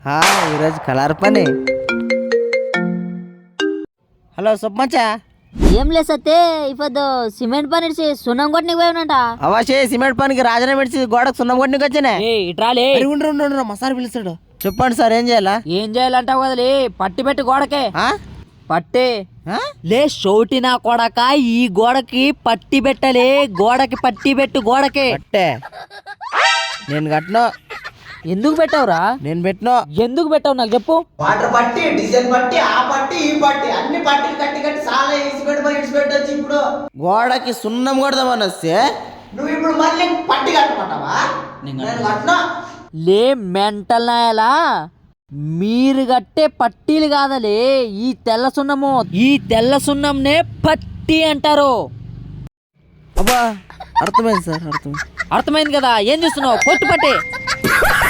ఈరోజు కలర్ పని. హలో సుబ్బచ్చా. ఏం లేదు సత్తే ఇప్పుడు సిమెంట్ పని ఇడిచి సున్నం కొట్టనికి పోయినంట. అవాషే సిమెంట్ పనికి రాజన పెడిచి గోడకు సున్నం కొట్టనికి వచ్చానే. ఇట్రాలే మసాలా పిలుస్తాడు. చెప్పండి సార్ ఏం చేయాలా? ఏం చేయాలంటావు కదలే, పట్టి పెట్టి గోడకే. పట్టే లే షోటి నా కొడక, ఈ గోడకి పట్టి పెట్టలే, గోడకి పట్టి పెట్టు గోడకే. పట్టే నేను కట్టను. ఎందుకు పెట్టావురా? నేను పెట్టను. ఎందుకు పెట్టావు నాకు చెప్పు. వాటర్ పట్టి, డీజిల్ పట్టి, ఆ పట్టి ఈ పట్టి అన్ని పట్టిలు కట్టి కట్టి చాలా ఇడిచిపెట్టొచ్చు. ఇప్పుడు గోడకి సున్నం కొడదామని వస్తే నువ్వు ఇప్పుడు మళ్ళీ పట్టి కట్టమంటావా? నేను కట్టను. లే మెంటల్ నాయలా, మీరు కట్టే పట్టీలు కాదలే ఈ తెల్ల సున్నము. ఈ తెల్ల సున్నంనే పట్టి అంటారు. అబ్బా అర్థమైంది సార్, అర్థమైంది. అర్థమైంది కదా, ఏం చేస్తున్నావు? కొట్టు పట్టే.